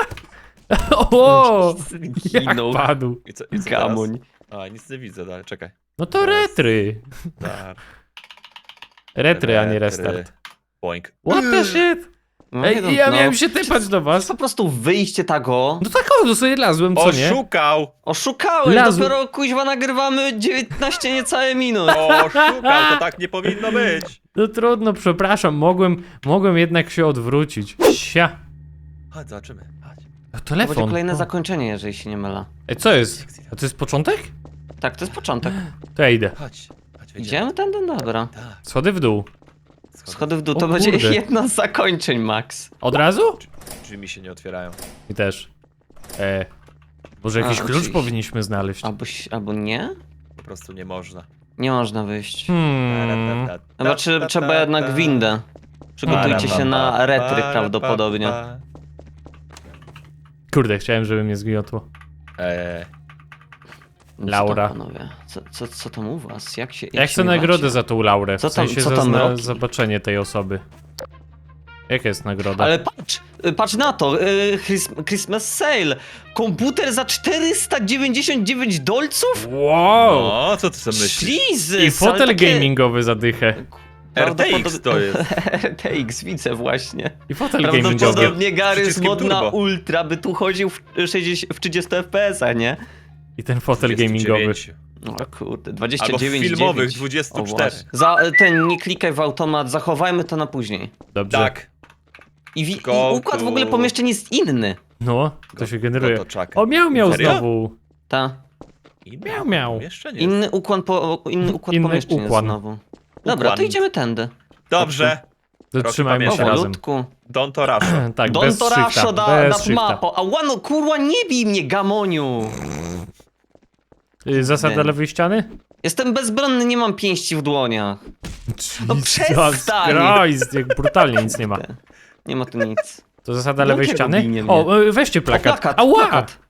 Speaker 1: O, jak
Speaker 2: Zginął.
Speaker 1: padł.
Speaker 3: I co teraz?
Speaker 2: Gamuń.
Speaker 3: A, nic nie widzę dalej, czekaj.
Speaker 1: No to retry.
Speaker 3: Tak.
Speaker 1: Retry, a nie restart.
Speaker 3: Boink.
Speaker 1: What the shit?
Speaker 2: No, nie
Speaker 1: Ej, ja
Speaker 2: no.
Speaker 1: miałem się typać do
Speaker 2: To
Speaker 1: was.
Speaker 2: jest po prostu wyjście tego.
Speaker 1: No tak o, to sobie lazłem, co nie?
Speaker 3: Oszukał!
Speaker 2: Oszukałeś,
Speaker 1: Lazł.
Speaker 2: dopiero kuźwa nagrywamy 19 niecałe minut.
Speaker 3: Oszukał, to tak nie powinno być.
Speaker 1: No trudno, przepraszam, mogłem jednak się odwrócić. Sia.
Speaker 3: Chodź, zobaczymy. Chodź.
Speaker 1: A
Speaker 2: To
Speaker 1: telefon.
Speaker 2: będzie kolejne
Speaker 1: O.
Speaker 2: zakończenie, jeżeli się nie mylę.
Speaker 1: Ej, co jest? A to jest początek?
Speaker 2: Tak, to jest początek.
Speaker 1: To ja idę.
Speaker 3: Chodź, wejdziemy.
Speaker 2: Idziemy ten, dobra.
Speaker 3: Tak.
Speaker 1: Schody w dół.
Speaker 2: Schody w dół,
Speaker 1: O
Speaker 2: to będzie
Speaker 1: kurde.
Speaker 2: jedno z zakończeń, Max.
Speaker 1: Od razu?
Speaker 3: Drzwi mi się nie otwierają.
Speaker 1: I też. Może jakiś
Speaker 2: A,
Speaker 1: klucz
Speaker 2: oczywiście.
Speaker 1: powinniśmy znaleźć.
Speaker 2: Albo nie?
Speaker 3: Po prostu nie można.
Speaker 2: Nie można wyjść.
Speaker 1: Hmm.
Speaker 2: Trzeba jednak windę. Przygotujcie się na retry prawdopodobnie.
Speaker 1: Kurde, chciałem, żeby mnie zgniotło.
Speaker 2: No co
Speaker 1: Laura.
Speaker 2: tam, panowie? Co tam u was? Jak się
Speaker 1: Ja chcę
Speaker 2: miewacie?
Speaker 1: nagrodę za tą Laurę. W
Speaker 2: Co tam-
Speaker 1: sensie
Speaker 2: co
Speaker 1: za
Speaker 2: tam robi?
Speaker 1: zobaczenie tej osoby. Jaka jest nagroda?
Speaker 2: Ale patrz na to, Christmas Sale. Komputer za 499 dolców?
Speaker 1: Wow!
Speaker 3: No, co ty sobie myślisz?
Speaker 2: Jesus!
Speaker 1: I fotel gamingowy za dychę.
Speaker 3: RTX to jest.
Speaker 2: RTX, widzę właśnie.
Speaker 1: I fotel gamingowy.
Speaker 2: Prawdopodobnie Gary z
Speaker 3: przyciskiem
Speaker 2: mod na
Speaker 3: turbo.
Speaker 2: ultra by tu chodził w 30 FPS-a, nie?
Speaker 1: I ten fotel gamingowy.
Speaker 3: 29.
Speaker 2: O kurde,
Speaker 3: Albo
Speaker 2: 29
Speaker 3: w filmowych
Speaker 2: 9.
Speaker 3: 24.
Speaker 2: O, właśnie. Nie klikaj w automat, zachowajmy to na później.
Speaker 1: Dobrze.
Speaker 3: Tak.
Speaker 2: I
Speaker 3: Go
Speaker 2: układ w
Speaker 3: to-
Speaker 2: ogóle pomieszczeń jest inny.
Speaker 1: No, to się generuje.
Speaker 3: Go to czaka.
Speaker 1: O, miał
Speaker 3: Serio?
Speaker 1: znowu.
Speaker 2: Ta.
Speaker 1: Miał.
Speaker 3: Jeszcze nie.
Speaker 2: Inny układ
Speaker 1: Inny
Speaker 2: pomieszczeń jest
Speaker 1: układ.
Speaker 2: znowu. Dobra, to
Speaker 3: Układ.
Speaker 2: idziemy tędy.
Speaker 3: Dobrze.
Speaker 1: Zatrzymajmy się
Speaker 3: pamiętam.
Speaker 1: razem.
Speaker 2: Powolutku.
Speaker 3: Don't to rush.
Speaker 1: Tak,
Speaker 2: Don
Speaker 1: bez
Speaker 2: Torasho
Speaker 1: shifta.
Speaker 2: da
Speaker 1: Bez
Speaker 2: nad
Speaker 1: shifta.
Speaker 2: mapą. A łano, kurwa, nie bij mnie, gamoniu.
Speaker 1: Zasada lewej ściany?
Speaker 2: Jestem bezbronny, nie mam pięści w dłoniach. No
Speaker 1: Jesus
Speaker 2: przestań!
Speaker 1: Christ, jak brutalnie nic nie ma.
Speaker 2: Nie ma tu nic.
Speaker 1: To zasada lewej
Speaker 2: Dlaczego
Speaker 1: ściany?
Speaker 2: binie mnie?
Speaker 1: O, weźcie plakat.
Speaker 2: O, plakat,
Speaker 1: Ała!
Speaker 2: plakat.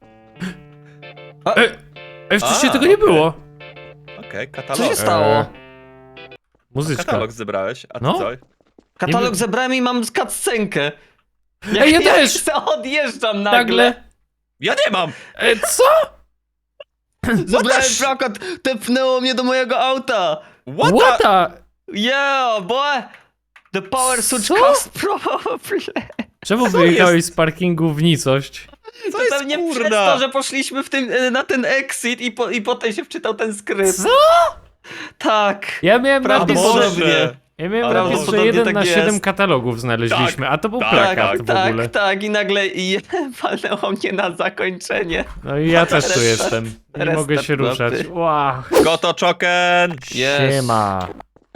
Speaker 1: Wcześniej
Speaker 3: A,
Speaker 1: tego nie
Speaker 3: okej.
Speaker 1: było.
Speaker 3: Okej,
Speaker 2: Co
Speaker 3: katalog.
Speaker 2: się stało?
Speaker 1: Muzyczka.
Speaker 3: Katalog zebrałeś, a ty
Speaker 1: No.
Speaker 3: co?
Speaker 2: Katalog
Speaker 1: Nie-
Speaker 2: zebrałem i mam cutscenkę.
Speaker 1: Ej, ja też!
Speaker 2: se odjeżdżam nagle.
Speaker 1: Nagle.
Speaker 3: Ja nie mam!
Speaker 1: Co?
Speaker 2: Zebrałem plakat, tepnęło mnie do mojego auta.
Speaker 1: What the...
Speaker 2: Yeah, boy. The power switch
Speaker 1: Co?
Speaker 2: cost problem.
Speaker 1: Czemu wyjechałeś z parkingu w nicość?
Speaker 3: Co
Speaker 2: To
Speaker 3: jest
Speaker 2: pewnie przez
Speaker 3: kurna?
Speaker 2: to, że poszliśmy na ten exit i potem się wczytał ten skrypt.
Speaker 1: Co?
Speaker 2: Tak.
Speaker 1: Ja miałem napis,
Speaker 2: Prawdopodobnie.
Speaker 1: że... Ja miałem
Speaker 3: Ale
Speaker 1: napis, że
Speaker 2: prawdopodobnie
Speaker 1: 1
Speaker 2: tak
Speaker 1: na
Speaker 2: jest.
Speaker 1: 7 katalogów znaleźliśmy, a to był
Speaker 3: tak,
Speaker 1: plakat w ogóle.
Speaker 2: Tak, i nagle walnęło mnie na zakończenie.
Speaker 1: No i ja też tu
Speaker 2: Restart.
Speaker 1: jestem. Nie
Speaker 2: Restart
Speaker 1: mogę się
Speaker 2: mapy.
Speaker 1: ruszać. Wow.
Speaker 3: Goto Choken!
Speaker 2: Yes.
Speaker 1: Siema.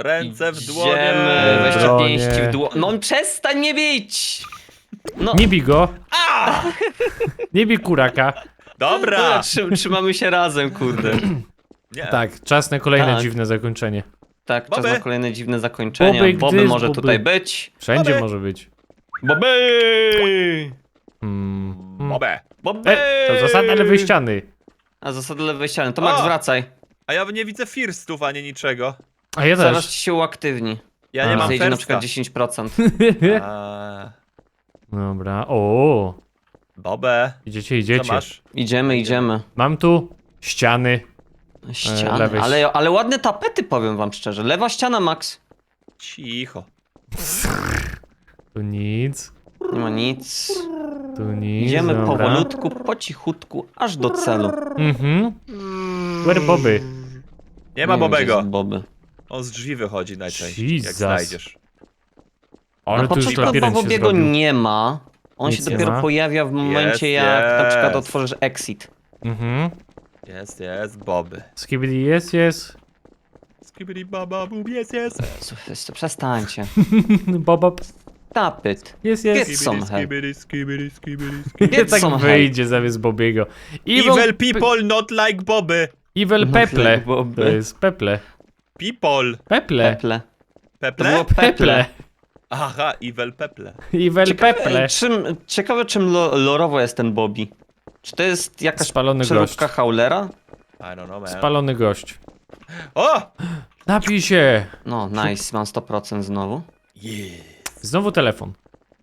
Speaker 3: Ręce w
Speaker 2: Idziemy,
Speaker 3: dłonie.
Speaker 2: weźcie
Speaker 1: Bronie.
Speaker 2: pięści w dłonie. No przestań mnie bić! No,
Speaker 1: Nie bij go. Nie bij kuraka.
Speaker 3: Dobra.
Speaker 2: Trzymamy się razem, kurde.
Speaker 3: Nie.
Speaker 1: Tak, czas na kolejne
Speaker 2: Tak.
Speaker 1: dziwne zakończenie.
Speaker 2: Tak, czas
Speaker 3: Boby.
Speaker 2: na kolejne dziwne zakończenie.
Speaker 1: Boby,
Speaker 2: Boby
Speaker 1: gdyż
Speaker 2: może
Speaker 1: Boby.
Speaker 2: tutaj być.
Speaker 1: Wszędzie
Speaker 3: Boby.
Speaker 1: może być.
Speaker 2: Boby!
Speaker 3: Bobę.
Speaker 2: Boby!
Speaker 1: To zasada lewej ściany.
Speaker 2: A zasady lewej ściany. To Max,
Speaker 3: O!
Speaker 2: wracaj.
Speaker 3: A ja nie widzę firstów ani niczego.
Speaker 1: A ja
Speaker 2: Zaraz
Speaker 1: też.
Speaker 2: ci się uaktywni.
Speaker 3: Ja nie mam
Speaker 2: Zejdzie na
Speaker 3: firsta.
Speaker 2: przykład 10%.
Speaker 3: A,
Speaker 1: Dobra, o,
Speaker 3: Bobę.
Speaker 1: idziecie,
Speaker 3: Co
Speaker 1: idziecie.
Speaker 3: masz?
Speaker 2: Idziemy.
Speaker 1: Mam tu ściany.
Speaker 2: Ściany,
Speaker 1: lewej
Speaker 2: ale ładne tapety, powiem wam szczerze. Lewa ściana, Max.
Speaker 3: Cicho.
Speaker 1: Tu nic,
Speaker 2: Nie ma nic.
Speaker 1: tu nic.
Speaker 2: Idziemy
Speaker 1: dobra.
Speaker 2: powolutku, po cichutku, aż do celu.
Speaker 1: Mhm. Where Bobby?
Speaker 3: Nie ma
Speaker 2: wiem, gdzie
Speaker 3: Bobego.
Speaker 2: jest Boby.
Speaker 3: On z drzwi wychodzi najczęściej, jak
Speaker 1: Jesus.
Speaker 3: znajdziesz.
Speaker 1: Ale
Speaker 2: Na
Speaker 1: tu już
Speaker 2: początku chyba
Speaker 1: labirynt się
Speaker 2: Bobiego
Speaker 1: zrobił.
Speaker 2: nie ma. On
Speaker 1: Nic
Speaker 2: się
Speaker 1: nie
Speaker 2: dopiero
Speaker 1: ma.
Speaker 2: pojawia w momencie,
Speaker 3: Jest,
Speaker 2: jak na przykład
Speaker 3: jest.
Speaker 2: otworzysz exit.
Speaker 1: Mhm.
Speaker 3: Jest, Boby.
Speaker 1: Skibidi jest.
Speaker 3: Skibidi baba bub, jest.
Speaker 2: Słuchaj, przestańcie.
Speaker 1: Bobab.
Speaker 2: Tapyt.
Speaker 1: Jest.
Speaker 2: Get some help.
Speaker 1: Nie
Speaker 2: Get
Speaker 1: tak
Speaker 2: some
Speaker 1: wyjdzie zamiast Bobiego.
Speaker 3: Evil people not like Boby.
Speaker 1: Evil
Speaker 2: Not
Speaker 1: Peple.
Speaker 2: like Bobby.
Speaker 1: To jest Peple.
Speaker 3: People.
Speaker 1: Peple.
Speaker 2: Peple. To
Speaker 3: Peple?
Speaker 2: było
Speaker 1: Peple.
Speaker 2: peple.
Speaker 3: Aha, evil peple.
Speaker 1: Evil Peple.
Speaker 2: Ciekawe czym lorowo jest ten Bobby. Czy to jest jakaś
Speaker 1: Spalony
Speaker 2: przeróbka
Speaker 1: gość.
Speaker 2: Howlera?
Speaker 3: I don't know, man.
Speaker 1: Spalony gość.
Speaker 3: O!
Speaker 1: Napij się.
Speaker 2: No, nice, mam 100% znowu.
Speaker 3: Yeah.
Speaker 1: Znowu telefon.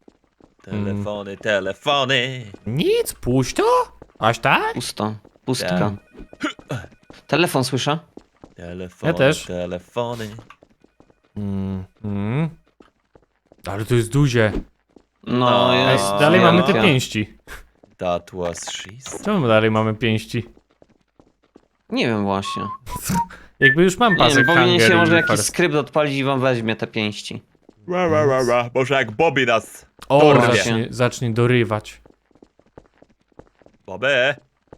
Speaker 3: Telefony.
Speaker 1: Nic, puść to. Aż tak?
Speaker 2: Pusto. Pustka. Telefon słyszę?
Speaker 3: Telefony,
Speaker 1: Ja też.
Speaker 3: telefony.
Speaker 1: Ale to jest duże.
Speaker 2: No,
Speaker 1: Ej,
Speaker 2: jest.
Speaker 1: dalej mamy te
Speaker 2: wielka.
Speaker 1: pięści.
Speaker 3: That was she's.
Speaker 1: Czemu dalej mamy pięści?
Speaker 2: Nie wiem właśnie.
Speaker 1: Jakby już mam
Speaker 2: Nie wiem,
Speaker 1: pasek
Speaker 2: powinien
Speaker 1: Hunger
Speaker 2: się
Speaker 1: i
Speaker 2: może jakiś
Speaker 1: First.
Speaker 2: skrypt odpalić i wam weźmie te pięści.
Speaker 3: Może jak Bobby nas
Speaker 1: O,
Speaker 3: dorwie.
Speaker 1: zacznie dorywać.
Speaker 3: Bobby.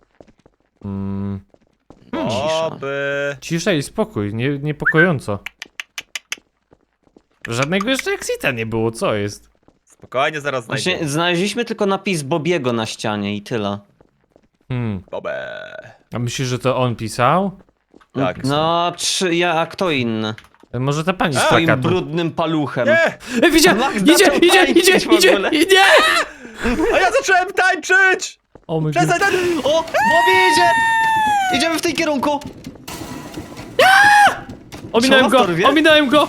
Speaker 2: Cisza.
Speaker 3: Bobby.
Speaker 1: Cisza i spokój, niepokojąco. Żadnego jeszcze exita nie było, co jest?
Speaker 3: Spokojnie, zaraz
Speaker 2: Właśnie
Speaker 3: znajdziemy.
Speaker 2: znaleźliśmy tylko napis Bobiego na ścianie i tyle.
Speaker 3: Bobby.
Speaker 1: A myślisz, że to on pisał?
Speaker 3: Tak.
Speaker 2: No, a kto inny?
Speaker 1: Może ta pani z
Speaker 2: Swoim
Speaker 1: plakatu.
Speaker 2: brudnym paluchem.
Speaker 3: Nie!
Speaker 1: Widziałem!
Speaker 2: Max
Speaker 1: Idzie,
Speaker 2: zaczął
Speaker 1: idzie,
Speaker 2: tańczyć
Speaker 1: idzie,
Speaker 2: w
Speaker 1: idzie,
Speaker 2: ogóle.
Speaker 1: idzie!
Speaker 3: A ja zacząłem tańczyć!
Speaker 1: O my
Speaker 3: Przestań tańczyć!
Speaker 2: O! Bobby idzie! Idziemy w tej kierunku!
Speaker 1: Ominąłem
Speaker 2: Co,
Speaker 1: go!
Speaker 2: dorwie?
Speaker 1: Ominąłem go!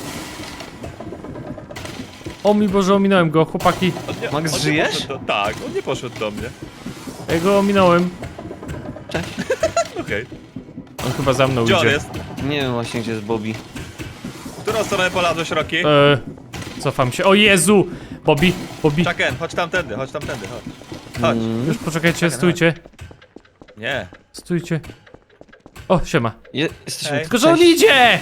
Speaker 1: O mi Boże, ominąłem go, chłopaki.
Speaker 3: On
Speaker 2: Max,
Speaker 3: nie
Speaker 2: żyjesz?
Speaker 3: poszedł tak, on nie poszedł do mnie.
Speaker 1: Ja go ominąłem.
Speaker 2: Cześć.
Speaker 3: Okej.
Speaker 1: On chyba za mną
Speaker 3: Gdzie on
Speaker 1: idzie.
Speaker 3: jest?
Speaker 2: Nie wiem właśnie gdzie jest Bobby.
Speaker 3: W którą stronę polazłeś, Rocky?
Speaker 1: Cofam się. O Jezu! Bobby, Bobby.
Speaker 3: Chucken, chodź tamtędy, chodź. Chodź.
Speaker 1: Już poczekajcie, stójcie.
Speaker 3: Nie.
Speaker 1: Stójcie. O, siema.
Speaker 2: Jesteśmy
Speaker 3: Hej.
Speaker 1: Tylko, że on idzie!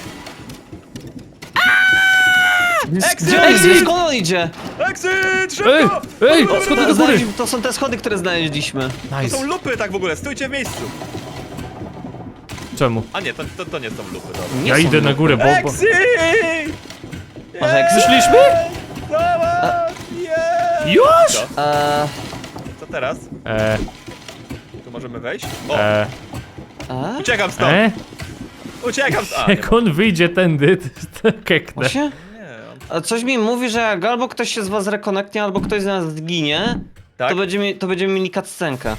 Speaker 3: Exit!
Speaker 2: Exit! Skąd on idzie?
Speaker 3: Exit!
Speaker 1: Ej!
Speaker 3: Szybko!
Speaker 1: Ej! Schody do góry!
Speaker 2: To są te schody, które znaleźliśmy.
Speaker 3: To
Speaker 1: Nice.
Speaker 3: są lupy tak w ogóle, stójcie w miejscu.
Speaker 1: Czemu?
Speaker 3: A nie, to nie są lupy, dobra.
Speaker 2: Nie
Speaker 1: Ja
Speaker 2: są
Speaker 1: idę na
Speaker 2: lupy.
Speaker 1: górę, bo...
Speaker 3: Exit!
Speaker 2: Masz exit?
Speaker 1: Przyszliśmy?
Speaker 3: Zobacz! Yeah!
Speaker 1: Już?
Speaker 3: Co? Co teraz? Tu możemy wejść? O! Uciekam stąd! Uciekam stąd!
Speaker 1: Jak on wyjdzie tędy, to keknę.
Speaker 2: Właśnie?
Speaker 3: Nie, on...
Speaker 2: A coś mi mówi, że jak albo ktoś się z was rekonektnie, albo ktoś z nas zginie,
Speaker 3: Tak?
Speaker 2: to będziemy mieli cutscenkę.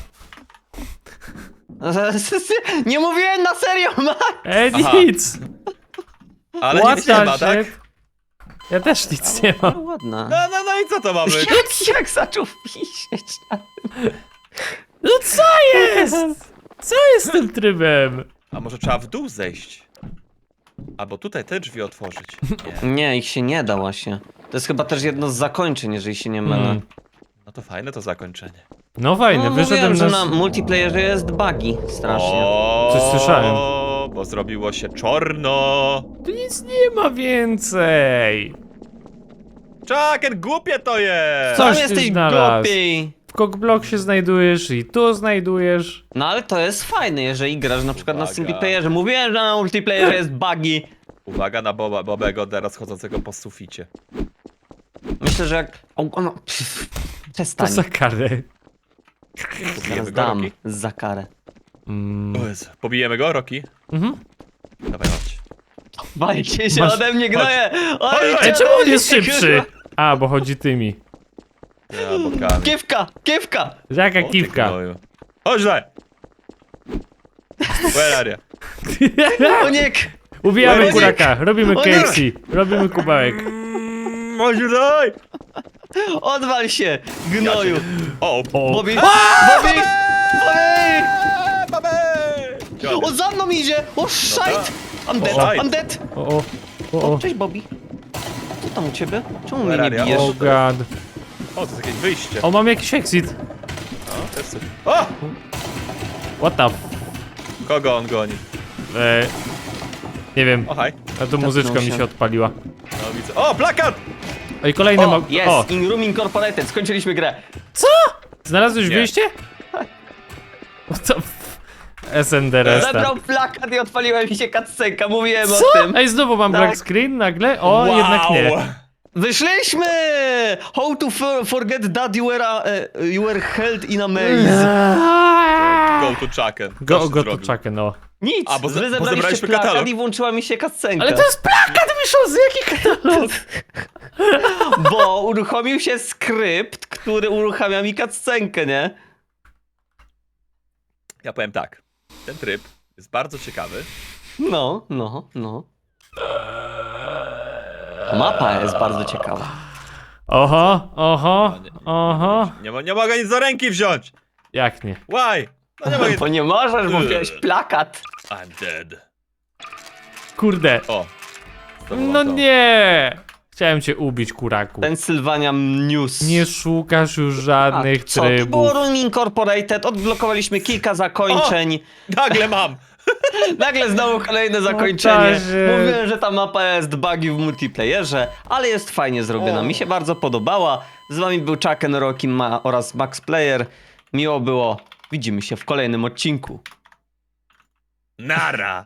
Speaker 2: Nie mówiłem na serio, Max!
Speaker 3: Aha.
Speaker 1: Nic!
Speaker 3: Ale
Speaker 1: What
Speaker 3: nic nie
Speaker 1: the
Speaker 3: ma, tak?
Speaker 1: shit? Ja też nic nie mam.
Speaker 2: Ładna.
Speaker 3: No i co to ma być?
Speaker 2: Jak zaczął pisieć.
Speaker 1: No co jest? Co jest z tym trybem?
Speaker 3: A może trzeba w dół zejść? Albo tutaj te drzwi otworzyć. Nie.
Speaker 2: Nie, ich się nie da właśnie. To jest chyba też jedno z zakończeń, jeżeli się nie mylę.
Speaker 3: No to fajne to zakończenie.
Speaker 1: No fajne,
Speaker 2: No
Speaker 1: wyszedłem
Speaker 2: mówiłem, że
Speaker 1: na...
Speaker 2: na multiplayerze jest buggy strasznie.
Speaker 3: O,
Speaker 1: Coś słyszałem.
Speaker 3: Bo zrobiło się czorno.
Speaker 1: Tu nic nie ma więcej.
Speaker 3: Chucken, głupie to jest!
Speaker 1: Coś
Speaker 2: Sam
Speaker 1: ty
Speaker 2: jesteś
Speaker 1: znalazł.
Speaker 2: głupi!
Speaker 1: W Cockblock się znajdujesz i tu znajdujesz.
Speaker 2: No ale to jest fajne, jeżeli grasz na przykład na
Speaker 3: Uwaga.
Speaker 2: singleplayerze. Mówiłem, że na multiplayerze jest buggy.
Speaker 3: Uwaga na Bobego teraz chodzącego po suficie.
Speaker 2: Myślę, że jak...
Speaker 1: To
Speaker 2: Przestań.
Speaker 1: za karę.
Speaker 2: Teraz
Speaker 3: Pobijemy go,
Speaker 2: dam
Speaker 3: Roki?
Speaker 2: za karę.
Speaker 3: O Jezu. Pobijemy go, Roki?
Speaker 1: Mhm.
Speaker 3: Dawaj, chodź.
Speaker 2: Bajcie się
Speaker 1: Masz-
Speaker 2: ode mnie, gnoje!
Speaker 1: Ej, czemu on jest szybszy? A, bo chodzi tymi.
Speaker 3: Ja, bokami.
Speaker 2: Kiewka! Kiewka!
Speaker 1: Jaka
Speaker 3: O, ty
Speaker 1: kiwka.
Speaker 3: gnoju. Chodź tutaj! Where are you?
Speaker 2: Oniek!
Speaker 1: Ubijamy
Speaker 2: Oniek!
Speaker 1: kuraka, robimy
Speaker 2: Oniek!
Speaker 1: KFC, robimy kubełek.
Speaker 3: Chodź tutaj!
Speaker 2: Odwal się, gnoju!
Speaker 3: O!
Speaker 1: O,
Speaker 2: Bobby! Bobby! Bobby!
Speaker 3: Babę!
Speaker 2: O, za mną idzie! O, szajt! I'm dead,
Speaker 3: Szajt.
Speaker 2: I'm dead!
Speaker 1: o, o, o,
Speaker 2: Cześć, Bobby. Co tam u ciebie? Czemu mnie nie
Speaker 3: Where are you?
Speaker 2: bijesz?
Speaker 1: o god.
Speaker 3: O, to jest jakieś wyjście.
Speaker 1: O, mam jakiś exit.
Speaker 3: O, to jest coś. O!
Speaker 1: What the f...
Speaker 3: Kogo on goni?
Speaker 1: Nie wiem,
Speaker 3: O, haj.
Speaker 1: a tu muzyczka mi
Speaker 2: się.
Speaker 1: się odpaliła.
Speaker 3: No, widzę. O, plakat!
Speaker 1: Ej, kolejny
Speaker 2: O,
Speaker 1: mag...
Speaker 2: jest!
Speaker 1: O,
Speaker 2: In Room Incorporated, skończyliśmy grę.
Speaker 1: co? Znalazłeś
Speaker 3: Nie.
Speaker 1: wyjście? What the f... SND restart.
Speaker 2: Zabrał plakat i odpaliła mi się cutscenka, mówiłem
Speaker 1: Co?
Speaker 2: o tym.
Speaker 1: Ej, znowu mam
Speaker 2: Tak.
Speaker 1: black screen nagle? O, jednak nie.
Speaker 2: Wyszliśmy! How to forget that you were held in a maze.
Speaker 3: Go to Chucken.
Speaker 1: Go to czakę, no.
Speaker 2: Nic,
Speaker 3: A, bo
Speaker 2: wy
Speaker 3: zebraliśmy
Speaker 2: zebraliście plakat
Speaker 3: katalog.
Speaker 2: i włączyła mi się cutscenka.
Speaker 1: Ale to jest plakat wyszło z jakich katalog?
Speaker 2: Bo uruchomił się skrypt, który uruchamia mi cutscenkę, nie?
Speaker 3: Ja powiem tak. Ten tryb jest bardzo ciekawy.
Speaker 2: No. Mapa jest bardzo ciekawa.
Speaker 1: Oho, oho.
Speaker 3: Nie mogę nic do ręki wziąć!
Speaker 1: Jak nie?
Speaker 3: Why? No nie mogę.
Speaker 2: Bo nie możesz, bo wziąłeś plakat.
Speaker 3: I'm dead.
Speaker 1: Kurde.
Speaker 3: O. znowu
Speaker 1: No
Speaker 3: mam to.
Speaker 1: nie. Chciałem cię ubić, kuraku.
Speaker 2: Pennsylvania News.
Speaker 1: Nie szukasz już żadnych
Speaker 2: Co? To było
Speaker 1: trybów.
Speaker 2: Room Incorporated, odblokowaliśmy kilka zakończeń.
Speaker 3: Nagle mam!
Speaker 2: Nagle znowu kolejne zakończenie.
Speaker 1: Boże.
Speaker 2: Mówiłem, że ta mapa jest bugi w multiplayerze, ale jest fajnie zrobiona. Mi się bardzo podobała. Z wami był Chucken, Rocky oraz Max Player. Miło było. Widzimy się w kolejnym odcinku.
Speaker 3: Nara!